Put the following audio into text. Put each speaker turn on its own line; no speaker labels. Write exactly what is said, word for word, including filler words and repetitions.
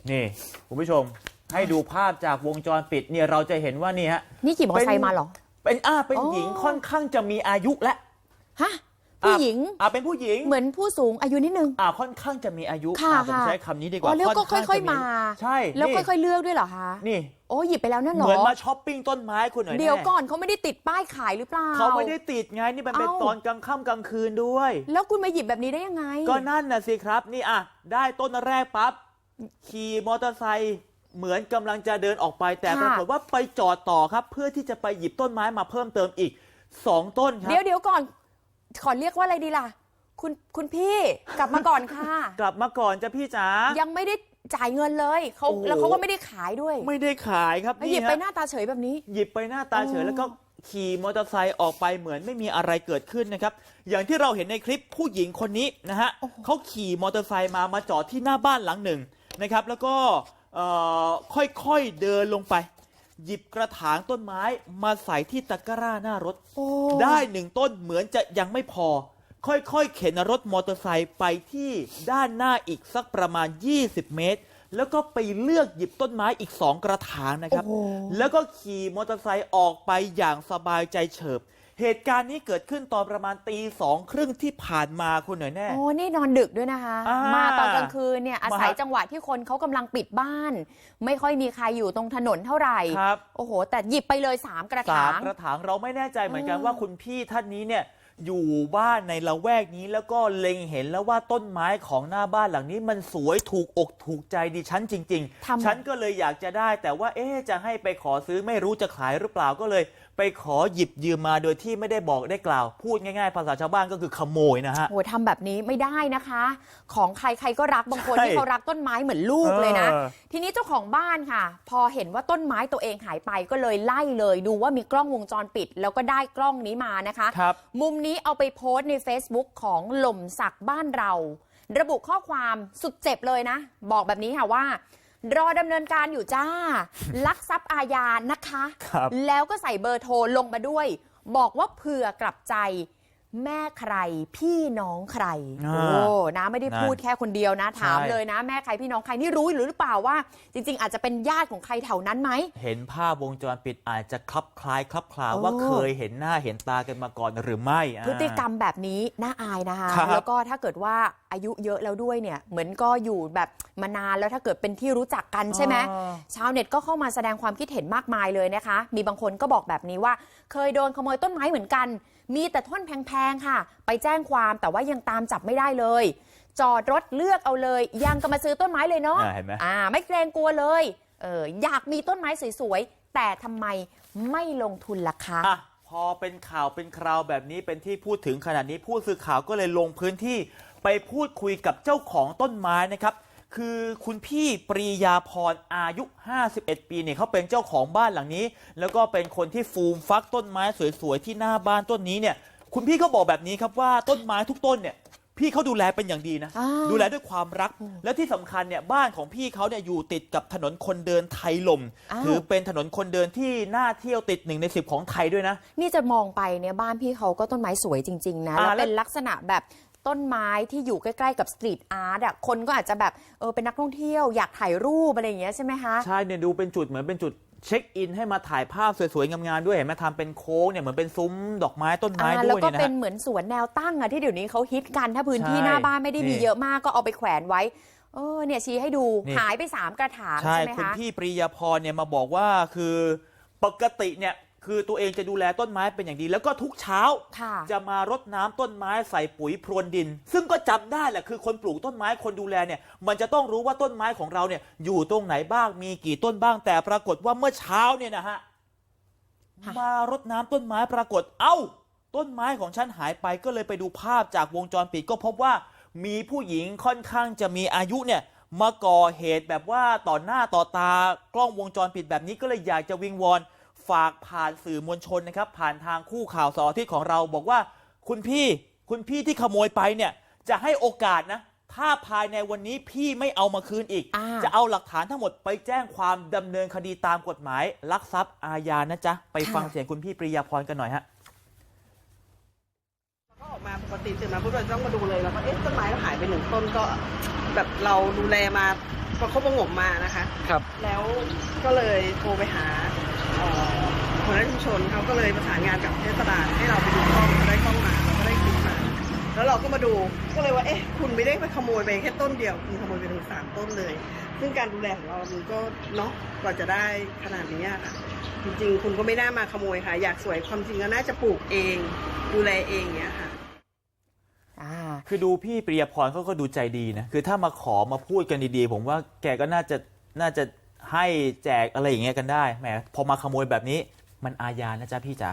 นี่คุณผู้ชมให้ดูภาพจากวงจรปิดเนี่ยเราจะเห็นว่านี่ฮะ
นี่ขี่มอเตอร์ไซค์มาเหรอ
เป็นอ่าเป็นหญิงค่อนข้างจะมีอายุและ
ฮะผู้หญิง
อ่าเป็นผู้หญิง
เหมือนผู้สูงอายุนิดนึง
อ่าค่อนข้างจะมีอายุ
ค่ะ
ผมใช้คำนี้ดีกว่า
อ๋อแล้วก็ค่อยๆมา
ใช่
แล้วค่อยๆเลือกด้วยเหรอคะ
นี่
โอ้หยิบไปแล้วนั่นหรอ
เหมือนมาช้อปปิ้งต้นไม้คุณหน่อย
เดี๋ยวก่อนเขาไม่ได้ติดป้ายขายหรือเปล่า
เขาไม่ได้ติดไงนี่มันเป็นตอนกลางค่ำกลางคืนด้วย
แล้วคุณมาหยิบแบบนี้ได้ยังไง
ก็นั่นน่ะสิครับนี่อ่ะได้ต้นแรกปั๊บขี่มอเตอร์ไซค์เหมือนกำลังจะเดินออกไปแต่ปรากฏว่าไปจอดต่อครับเพื่อที่จะไปหยิบต้นไม้มาเพิ่มเติมอีกสองต้นครับ
เดี๋ยวเดี๋ยวก่อนขอเรียกว่าอะไรดีล่ะคุณคุณพี่กลับมาก่อนค่ะ
กลับมาก่อนจ้ะพี่จ๋า
ยังไม่ได้จ่ายเงินเลยเขาแล้วเขาก็ไม่ได้ขายด้วย
ไม่ได้ขายครับ
หยิบไปหน้าตาเฉยแบบนี้
หยิบไปหน้าตาเฉยแล้วก็ขี่มอเตอร์ไซค์ออกไปเหมือนไม่มีอะไรเกิดขึ้นนะครับอย่างที่เราเห็นในคลิปผู้หญิงคนนี้นะฮะเขาขี่มอเตอร์ไซค์มามาจอดที่หน้าบ้านหลังหนึ่งนะครับแล้วก็ค่อยๆเดินลงไปหยิบกระถางต้นไม้มาใส่ที่ตะกร้าหน้ารถได้หนึ่งต้นเหมือนจะยังไม่พอค่อยๆเข็นรถมอเตอร์ไซค์ไปที่ด้านหน้าอีกสักประมาณยี่สิบเมตรแล้วก็ไปเลือกหยิบต้นไม้อีกสองกระถางนะครับแล้วก็ขี่มอเตอร์ไซค์ออกไปอย่างสบายใจเฉิบเหตุการณ์นี้เกิดขึ้นตอนประมาณตีสองครึ่งที่ผ่านมาคุณหน่อยแน่
โอ้นี่นอนดึกด้วยนะคะมาตอนกลางคืนเนี่ยอาศัยจังหวะที่คนเขากำลังปิดบ้านไม่ค่อยมีใครอยู่ตรงถนนเท่าไหร่โอ้โหแต่หยิบไปเลยสามกระถาง
สามกระถางเราไม่แน่ใจเหมือนกันว่าคุณพี่ท่านนี้เนี่ยอยู่บ้านในละแวกนี้แล้วก็เล็งเห็นแล้วว่าต้นไม้ของหน้าบ้านหลังนี้มันสวยถูกอกถูกใจดิฉันจริงๆฉันก็เลยอยากจะได้แต่ว่าเอ๊ะจะให้ไปขอซื้อไม่รู้จะขายหรือเปล่าก็เลยไปขอหยิบยืมมาโดยที่ไม่ได้บอกได้กล่าวพูดง่ายๆภาษาชาวบ้านก็คือขโมยนะฮะ
โอ้ทำแบบนี้ไม่ได้นะคะของใครใครก็รักบางคนที่เขารักต้นไม้เหมือนลูกเลยนะทีนี้เจ้าของบ้านค่ะพอเห็นว่าต้นไม้ตัวเองหายไปก็เลยไล่เลยดูว่ามีกล้องวงจรปิดแล้วก็ได้กล้องนี้มานะคะมุมนี้เอาไปโพสต์ใน Facebook ของหล่มสักบ้านเราระบุข้อความสุดเจ็บเลยนะบอกแบบนี้ค่ะว่ารอดำเนินการอยู่จ้าลักทรัพย์อาญานะคะแล้วก็ใส่เบอร์โทรลงมาด้วยบอกว่าเผื่อกลับใจแม่ใครพี่น้องใครโอ้นะไม่ได้พูดแค่คนเดียวนะถามเลยนะแม่ใครพี่น้องใครนี่รู้หรือเปล่าว่าจริงๆอาจจะเป็นญาติของใครแถวนั้นไหม
เห็นภาพวงจรปิดอาจจะคลับคล้ายคลับคลาว่าเคยเห็นหน้าเห็นตากันมาก่อนหรือไม่
พฤติกรรมแบบนี้น่าอายนะคะแล้วก็ถ้าเกิดว่าอายุเยอะแล้วด้วยเนี่ยเหมือนก็อยู่แบบมานานแล้วถ้าเกิดเป็นที่รู้จักกันใช่ไหมชาวเน็ตก็เข้ามาแสดงความคิดเห็นมากมายเลยนะคะมีบางคนก็บอกแบบนี้ว่าเคยโดนขโมยต้นไม้เหมือนกันมีแต่ท่อนแพงๆค่ะไปแจ้งความแต่ว่ายังตามจับไม่ได้เลยจอดรถเลือกเอาเลยยังก็มาซื้อต้นไม้เลยเนาะอ่าไม่เกรงกลัวเลยเอออยากมีต้นไม้สวยๆแต่ทำไมไม่ลงทุนล่ะคะ
อ่ะพอเป็นข่าวเป็นคราวแบบนี้เป็นที่พูดถึงขนาดนี้ผู้สื่อข่าวก็เลยลงพื้นที่ไปพูดคุยกับเจ้าของต้นไม้นะครับคือคุณพี่ปรียาพรอายุห้าสิบเอ็ดปีเนี่ยเขาเป็นเจ้าของบ้านหลังนี้แล้วก็เป็นคนที่ฟูมฟักต้นไม้สวยๆที่หน้าบ้านต้นนี้เนี่ยคุณพี่เขาบอกแบบนี้ครับว่าต้นไม้ทุกต้นเนี่ยพี่เขาดูแลเป็นอย่างดีนะดูแลด้วยความรักและที่สำคัญเนี่ยบ้านของพี่เขาเนี่ยอยู่ติดกับถนนคนเดินไทยลมถือเป็นถนนคนเดินที่น่าเที่ยวติดหนึ่งในสิบของไทยด้วยนะ
นี่จะมองไปเนี่ยบ้านพี่เขาก็ต้นไม้สวยจริงๆนะแล้วเป็นลักษณะแบบต้นไม้ที่อยู่ใกล้ๆกับสตรีทอาร์ตอ่ะคนก็อาจจะแบบเออเป็นนักท่องเที่ยวอยากถ่ายรูปอะไรอย่างเงี้ยใช่ไหมคะ
ใช่เนี่ยดูเป็นจุดเหมือนเป็นจุดเช็คอินให้มาถ่ายภาพสวยๆงามๆด้วยเห็นไหมทำเป็นโค้งเนี่ยเหมือนเป็นซุ้มดอกไม้ต้นไม้ด้วย
แล้วก็เป็นเหมือนสวนแนวตั้งอะที่เดี๋ยวนี้เขาฮิตกันถ้าพื้นที่หน้าบ้านไม่ได้มีเยอะมากก็เอาไปแขวนไว้เออเนี่ยชี้ให้ดูหายไปสามกระถางใช่ไหมคะ
คุณพี่ปรียาพรเนี่ยมาบอกว่าคือปกติเนี่ยคือตัวเองจะดูแลต้นไม้เป็นอย่างดีแล้วก็ทุกเช้าจะมารดน้ำต้นไม้ใส่ปุ๋ยพรวนดินซึ่งก็จำได้แหละคือคนปลูกต้นไม้คนดูแลเนี่ยมันจะต้องรู้ว่าต้นไม้ของเราเนี่ยอยู่ตรงไหนบ้างมีกี่ต้นบ้างแต่ปรากฏว่าเมื่อเช้าเนี่ยนะฮะมารดน้ำต้นไม้ปรากฏเอ้าต้นไม้ของฉันหายไปก็เลยไปดูภาพจากวงจรปิดก็พบว่ามีผู้หญิงค่อนข้างจะมีอายุเนี่ยมาก่อเหตุแบบว่าต่อหน้าต่อตากล้องวงจรปิดแบบนี้ก็เลยอยากจะวิงวอนฝากผ่านสื่อมวลชนนะครับผ่านทางคู่ข่าวเสาร์อาทิตย์ของเราบอกว่าคุณพี่คุณพี่ที่ขโมยไปเนี่ยจะให้โอกาสนะถ้าภายในวันนี้พี่ไม่เอามาคืนอีกจะเอาหลักฐานทั้งหมดไปแจ้งความดำเนินคดีตามกฎหมายลักทรัพย์อาญานะจ๊ะไปฟังเสียงคุณพี่ปรียาพรกันหน่อยฮะ
เขาออกมาปกติตื่นมาปุ๊บเราต้องมาดูเลยแล้วก็เอ๊ะต้นไม้เราหายไปหนึ่งต้นก็แบบเราดูแลมาประคบประหงมมานะคะ
ครับ
แล้วก็เลยโทรไปหาเอ่อหัวหน้าชุมชนเขาก็เลยประสานงานกับเทศบาลให้เราไปดูกล้องเราได้กล้องมาเราก็ได้คลิปมาแล้วเราก็มาดูก็เลยว่าเอ๊ะคุณไม่ได้ไปขโมยไปแค่ต้นเดียวคุณขโมยไปถึงสามต้นเลยซึ่งการดูแลของเรามันก็เนาะกว่าจะได้ขนาดนี้ค่ะจริงๆคุณก็ไม่น่ามาขโมยค่ะอยากสวยความจริงก็น่าจะปลูกเองดูแลเองเนี้ยค่ะ
คือดูพี่ปริยพรเขาก็ดูใจดีนะคือถ้ามาขอมาพูดกันดีๆผมว่าแกก็น่าจะน่าจะให้แจกอะไรอย่างเงี้ยกันได้แหมพอมาขโมยแบบนี้มันอาญานะจ๊ะพี่จ๋า